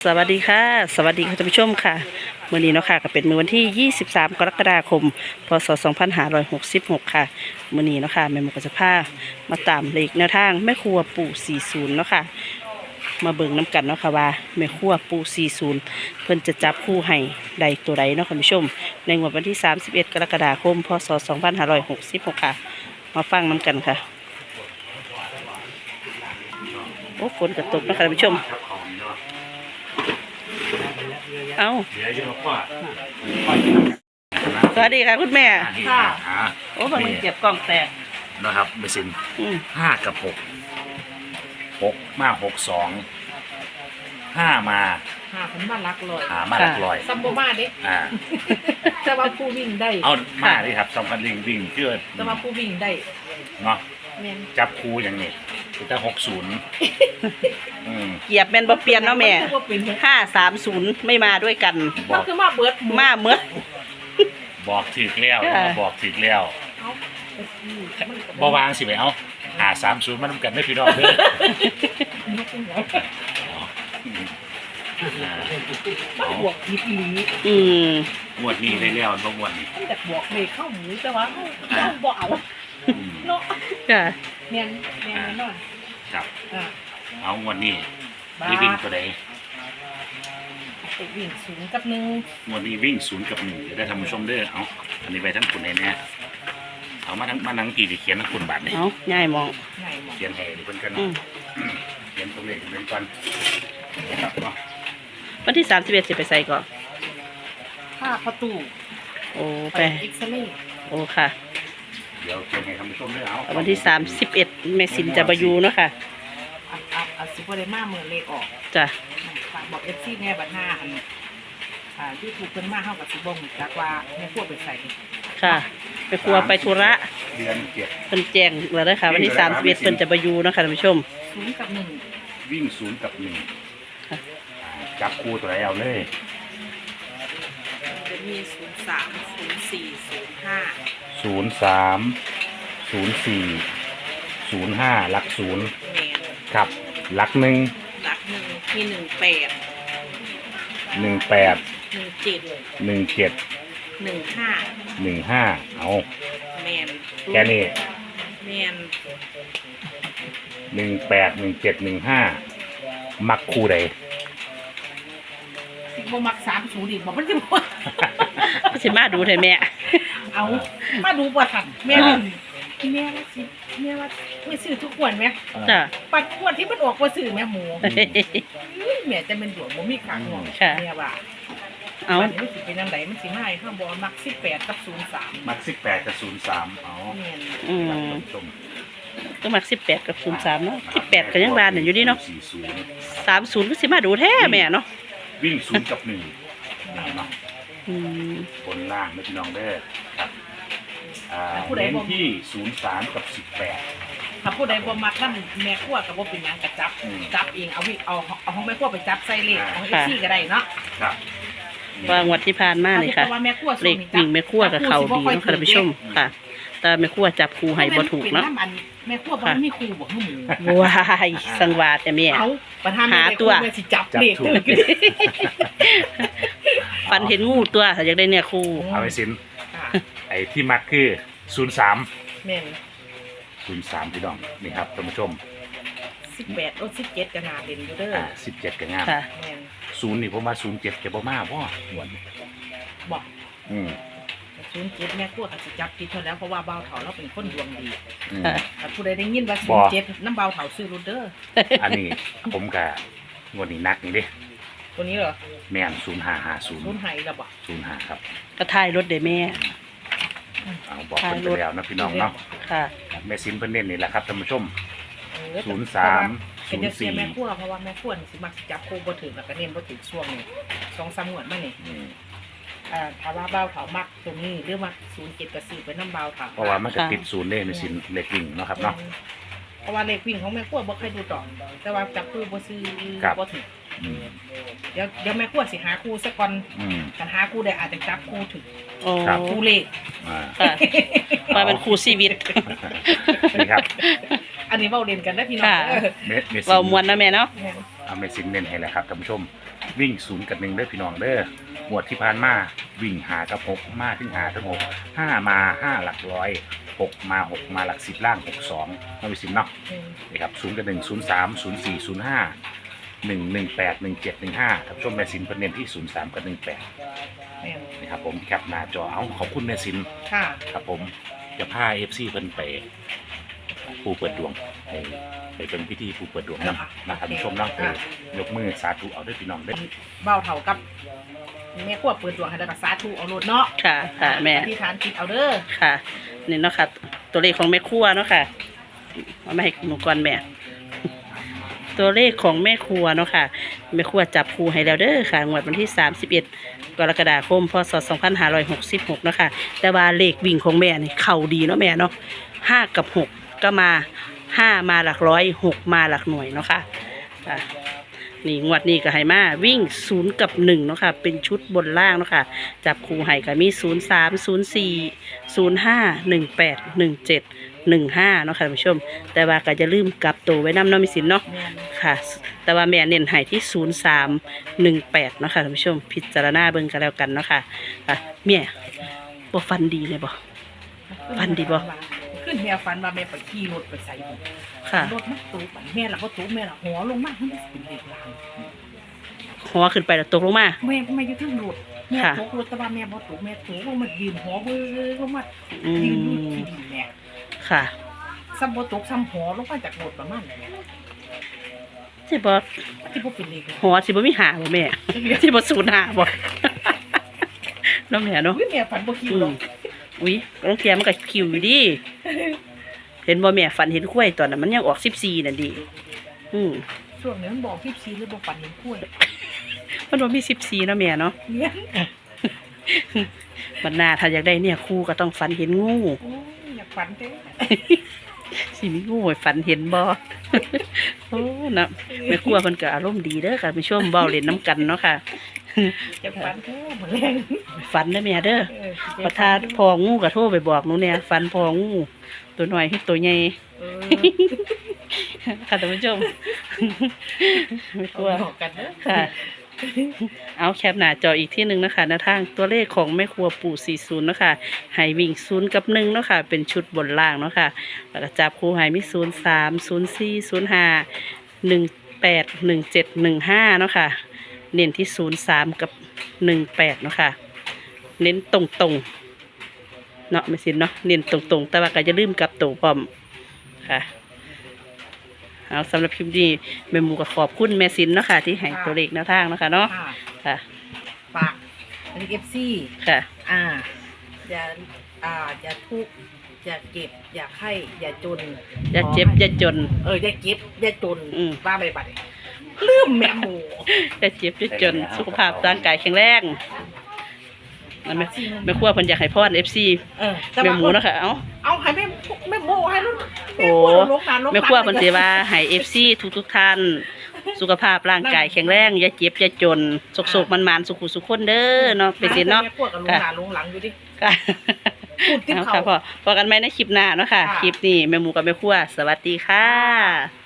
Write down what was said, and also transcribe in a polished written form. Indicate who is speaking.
Speaker 1: สวัสดีค่ะสวัสดีค่ะท่านผู้ชมค่ะมื้อนี้เนาะค่ะก็เป็นมื้อวันที่23กรกฎาคมพศ2566ค่ะมื้อนี้เนาะค่ะแม่หมูก็จะพามาตามเลขแนวทางแม่ครัวปู่40เนาะค่ะมาเบิ่งน้ำกันเนาะค่ะว่าแม่ครัวปู่40เพิ่นจะจับคู่ให้ใดตัวใดเนาะค่ะท่านผู้ชมในงวดวันที่31กรกฎาคมพศ2566ค่ะมาฟังน้ำกันค่ะโอ้ฝนกระตกเนาะค่ะท่านผู้ชมเอาสวัสดีค่ะคุณแม่ค่ะโอ้บางมันเก็บกล่องแตก
Speaker 2: นะครับเบสิน5 กับ 6 มา62 5 มา
Speaker 3: ผมมาลักลอย
Speaker 2: มาหลักร้อย
Speaker 3: ซัมโบมาเด็กแต่ว่าผู้วิ่งได้
Speaker 2: เอามาดิครับสำคัญวิ่งเชื่อ
Speaker 3: แต่ว่าผู้วิ่งได้
Speaker 2: เนาะจับคูอย่างนี้แต่60
Speaker 1: เหยียบแมนบ่เปลี่ยนเนาะแม่530ไม่มาด้วยกัน
Speaker 3: ก็คือมาเบิด
Speaker 1: มาเมื่อ
Speaker 2: บอกถึกแล้วบอกถึกแล้วบ่วางสิไปเอา530มันนำกันได้พี่น้องเด้
Speaker 3: อบวกนิดนี้
Speaker 2: งวดนี้ได้แล้วบ่งวดนี้
Speaker 3: แต่บวกเลขเข้าหมูแต่ว่าเข้าบ่เอาเนาะ
Speaker 1: จ้ะ
Speaker 3: แม่นนอน
Speaker 2: ครับเอางวดนี้วิ่งตัวใด
Speaker 3: วิ่ง0 กับ 1
Speaker 2: งวดนี้วิ่ง0 กับ 1จะได้ท่านผู้ชมเด้อเอาอันนี้ไปทั้งคุณแน่เอามาทั้งกี่เขียนทั้งคุณบาทนี่
Speaker 1: เอาง่ายมอง
Speaker 2: เขียนให้เพิ่นกันเขียนตรงเลขเป็นก่อนครับเนาะ
Speaker 1: วันที่31สิไปใส่ก่อน
Speaker 3: ค่าประตู
Speaker 1: โอ้ไป
Speaker 3: เอ็กซเรย์
Speaker 1: โอ้ค่ะ
Speaker 2: เดี๋ยวเขียนให้ท่านผู้ชมเด้อเอา
Speaker 1: วันที่31แม่สินจะบายูเนาะค่ะ
Speaker 3: สิบ่ได้มาเมื่อเลขออก
Speaker 1: จ้ะ
Speaker 3: บอกเอฟซีแม่บัด5ที่ถูกเพิ่นมาเฮากับสิบ่ฮู้จักว่าแม่ครัวไปใส่
Speaker 1: ค่ะไปครัวไปธุระ
Speaker 2: เดือน7
Speaker 1: เพิ่นแจ้งแล้วนะคะวันที่31เพิ่นจะบายูเนาะค่ะท่านผู้ชม
Speaker 3: 0 กับ
Speaker 2: 1วิ่ง0 กับ 1จับคู่ตัวไหนเอาเลย
Speaker 3: จะมี03 04 05
Speaker 2: 03 04 05หลัก0ครับหลัก1
Speaker 3: มี18
Speaker 2: 15เอา
Speaker 3: แมน
Speaker 2: แค่นี้
Speaker 3: แมน
Speaker 2: 18 17 15มักคู่ใด
Speaker 3: บ่มัก30ดิบ่มันสิบ่
Speaker 1: สิมาดูเถอะแม่
Speaker 3: เอามาดูบ่ทันแม่ว่าไม่ซื้อทุกวันไหม
Speaker 1: จ้ะ
Speaker 3: ปัดขวดที่มันออกบ่ซื้อแม่หมูแม่จะเป็นดวงบ่มีขาห่วงแม่ว่าเอามันสิเป็นจังไดมันสิมาให้ข้างบ่มัก18 กับ 03
Speaker 2: มัก18 กับ 03อ๋อ
Speaker 1: ก็มัก18 กับ 03เนาะ18ก็ยังบานอยู่ดีเนาะ30ก็สิมาดูแท้แม่เนาะ
Speaker 2: วิ่ง0 กับ 1เนาะบนล่างนะพี่น้องเด้อครับเน้นที่03 กับ 18
Speaker 3: ถ้าผู้ใดบ่มักนำแม่ครัวก็บ่เป็นหยังก็จับเองเอาของแม่ครัวไปจับใส่เลขของ FC ก็ได้เนาะ
Speaker 2: ครับ
Speaker 1: ว่างวดที่ผ่านมาเลยค่ะเลขวิ่งแม่ครัวกับเขาดีเนาะค่ะท่านผู้ชมค่ะแต่แม่ครัวจับคู่ให้บ่ถูกเนาะ
Speaker 3: แม่ครัวบ่มีครูบ่ฮู้หมู่
Speaker 1: ว้ายสังวาแต่แม่หาตัว
Speaker 3: สิจับเลข
Speaker 1: ฟันเห็นงูตัวถ้าอยากได้เนี่ยครู
Speaker 2: เอาไปสินไอ้ที่มักคือ03แม่น03พี่น้องนี่ครับท่านผู้ชม
Speaker 3: 18 17ก็น่าเด่นอยู่เด้อ
Speaker 2: 17ก็งามแม่น0นี่ผมว่า07จะบ่มาบ่หวน
Speaker 3: บ่07แม่ครัวก็สิจับผิดเท่าแล้วเพราะว่าเบาเฒ่าเราเป็นคนดวงดีถ้าผู้ใดได้ยินว่า07นำเบาเฒ่าซื้อรถเด้อ
Speaker 2: อันนี้ผมก็งวดนี้นักนี่เด้
Speaker 3: ตัวนี้เหรอ
Speaker 2: แม่น0550
Speaker 3: 05แล้วบ่
Speaker 2: 05ครับ
Speaker 1: ก็ถ่ายรถได้แม่
Speaker 2: เอาบอกเพิ่นไปแล้วนะพี่น้องเนาะ
Speaker 1: ค่ะ
Speaker 2: แม่ซินเพิ่นเน้นนี่แหละครับท่านผู้ชม03
Speaker 3: เป็นเสียแม่ครัวเพราะว่าแม่ครัวสิมักจับคู่บ่ถึงแล้วก็เน้นบ่ถึงช่วงนี้ 2-3 งวดมานี่ถ้าว่าเบาเฒ่ามักตรงนี้หรือมัก07ก็ซื้อไปนำเบาเฒ่า
Speaker 2: เพราะว่ามันก็ติด0เด้แม่ซินเลขวิ่งเนาะครับเนาะ
Speaker 3: เพราะว่าเลขวิ่งของแม่ครัวบ่เคยดูดอกแต่ว่าจับคู่บ่ซื้อบ่ถึงเดี๋ยวแม่ครัวสิหาคู่ซะก่อนกันหาคู่ได้อาจจะจับคู่ถึงคู่เลข
Speaker 1: มาเป็นคู่ชีวิต
Speaker 2: นี่ครับ
Speaker 3: อันนี้เว้าเล่นกันนะพี่น้อง
Speaker 1: เว้ามวนนะแม่เนาะ
Speaker 2: เอาเมซินเน้นให้แหละครับท่านผู้ชมวิ่ง0 กับ 1เด้อพี่น้องเด้อหมวดที่ผ่านมาวิ่ง5 กับ 6มาถึง5 ถึง 6 5มา5หลักร้อย6มา6มาหลัก10ล่าง62น้องเมซินเนาะนี่ครับ0 กับ 1 0 3 0 4 0 5 1 1 8 1 7 1 5ท่านผู้ชมเมซินเพิ่นเน้นที่0 3 กับ 1 8นี่ครับผมแคปหน้าจอเอาขอบคุณเมซิน
Speaker 3: ค่ะ
Speaker 2: ครับผมจะพาFC เพิ่นไปผู้เปิดดวงไปเป็นพิธีผู้เปิดดวงนะครับผู้ชมเนาะยกมือสาธุเอาด้วยพี่น้องเด้อ
Speaker 3: เบ้าเท่ากับแม่ขั้วเปิดดวงให้ได้กับสาธุเอาโลดเนาะ
Speaker 1: ค่ะค่ะแม่
Speaker 3: อธิษฐานจิตเอาเด้อ
Speaker 1: ค่ะนี่เนาะค่ะตัวเลขของแม่ครัวเนาะค่ะเอามาให้หนูก่อนแม่ ตัวเลขของแม่ครัวเนาะค่ะแม่ครัวจับครูให้แล้วเด้อค่ะงวดวันที่31 กรกฎาคมพศ2566เนาะค่ะแต่ว่าเลขวิ่งของแม่นี่เข้าดีเนาะแม่เนาะ5 กับ 6ก็มา5มาหลักร้อย6มาหลักหน่วยเนาะค่ะนี่งวดนี้ก็ให้มาวิ่ง0 กับ 1เนาะค่ะเป็นชุดบนล่างเนาะค่ะจับคู่ให้ก็มี0 3 0 4 0 5 1 8 1 7 1 5เนาะค่ะท่านผู้ชมแต่ว่าก็จะลืมกลับตัวไว้นำเนาะมีสินเนาะ
Speaker 3: แม่น
Speaker 1: ค่ะแต่ว่าแม่เน้นให้ที่0 3 1 8เนาะค่ะท่านผู้ชมพิจารณาเบิ่งกันแล้วกันเนาะค่ะแม่บ่ฟันดีเลยบ่ ฝันดีบ่
Speaker 3: ขึ้นแม่ฝันว่าแม่ไปขี่รถไปใส่บุ
Speaker 1: ค่ะ
Speaker 3: รถมันตูบแม่ละก็ตูบแม่ละหัวลงมาให้มันเป็นเด็กลาง
Speaker 1: หัวขึ้นไปแล้วตกลงมา
Speaker 3: แม่อยู่ทั้งรถแม่
Speaker 1: ค่ะ
Speaker 3: ตกรถแต่ว่าแม่บ่ตกแม่ตกลงมายืนหัวเบ้อลงมา
Speaker 1: อื
Speaker 3: ยืนอยู่
Speaker 1: ม
Speaker 3: ที่ดินแม่
Speaker 1: ค่ะ
Speaker 3: ซ้ำบ่ตกซ้ำหัวลงมาจากรถประมาณนั้นแหละ
Speaker 1: สิบ่
Speaker 3: ที่บ่เป็นเลขเลย
Speaker 1: หัวสิบ่มีหาบ่แม่ สิบ่สูญหาบ่ เนาะแม่เนาะ
Speaker 3: อุ๊ยแม่ฝันบ่คิว
Speaker 1: อื
Speaker 3: หรอ
Speaker 1: ม
Speaker 3: ก
Speaker 1: อุ้ยบางเทียมันก็คิวอยู่ดิเห็นบ่แม่ฝันเห็นกล้วยตอนนั้นมันยังออก14นั่นดิ
Speaker 3: ช่วงนี้มันบอก14หรือบ่ฝันเห็นกล้วย
Speaker 1: มันบ่มี14เนาะแม่เนาะ
Speaker 3: เนี่ย
Speaker 1: บัดหน้าถ้าอยากได้เนี่ยครูก็ต้องฝันเห็นงู
Speaker 3: โอ้ยอยากฝันเด้
Speaker 1: สิมีงูให้ฝันเห็นบ่ โอ้นะแม่ครัวเพิ่นก็อารมณ์ดีเด้อค่ะไปชมเว้าเล่นน้ำกันเนาะค่ะ
Speaker 3: อยากฝันเด้อบ่แรง
Speaker 1: ฝันเด้อแม่เด้อ
Speaker 3: เออ
Speaker 1: ประทานพองูก็โทรไปบอกหนูเนี่ยฝันพองูตัวน้อยคือตัวใหญ่
Speaker 3: เออ
Speaker 1: ค่ะท่านผู้ชม ไม่กลัว
Speaker 3: บอกกันเด้อ
Speaker 1: ค่ะ เอาแคปหน้าจออีกที่หนึ่งนะคะแนวทางตัวเลขของแม่ครัวปู่40เนาะค่ะให้วิ่ง0 กับ 1เนาะค่ะเป็นชุดบนล่างเนาะค่ะแล้วก็จับคู่ให้มี0 3 0 4 0 5 1 8 1 7 1 5เนาะค่ะเน้นที่0 3 กับ 1 8เนาะค่ะเน้นตรงๆเนาะไม่สินเนาะเน้นตรงๆแต่ว่าก็จะลืมกลับตัวพร้อมค่ะเอาสำหรับคลิปนี้แม่หมูก็ขอบคุณแม่สินเนาะค่ะที่ให้ตัวเลขแนวทางเนาะค่ะเนาะ
Speaker 3: ค่ะ
Speaker 1: ค่ะ
Speaker 3: ฝากอันนี้ FC
Speaker 1: ค่ะ
Speaker 3: อย่าอย่าทุกข์อย่าเก็บอย่าไข้อย่าจน
Speaker 1: อย่าเจ็บอย่าจน
Speaker 3: อย่าเก็บอย่าจน
Speaker 1: อืม
Speaker 3: ว่าไปบัดนี้ลืมแม่หมู
Speaker 1: อย่าเจ็บอย่าจนสุขภาพร่างกายแข็งแรงนั่นแม่ครัวเพิ่นอยากให้พร FC
Speaker 3: แต่
Speaker 1: แม่
Speaker 3: ว่า
Speaker 1: หมูเนาะค่ะเอา
Speaker 3: ให้แม่หมูให้ลูก
Speaker 1: โอ้แม่ครัวเพิ่นสิว่าให้ FC ทุกท่านสุขภาพร่างกายแข็งแรงอย่าเจ็บอย่าจนสุขๆมันๆสุขๆคนเด้อเนาะเป็นสิเนาะ
Speaker 3: แม่ครัวกับลุงหลานลุงหลังอยู่ดิ
Speaker 1: ค่ะ
Speaker 3: พูดที่
Speaker 1: เอา
Speaker 3: เขา
Speaker 1: ค่ะพอกันไหมในคลิปหน้าเนาะค่ะ
Speaker 3: ค่ะ
Speaker 1: คลิปนี้แม่หมูกับแม่ครัวสวัสดีค่ะ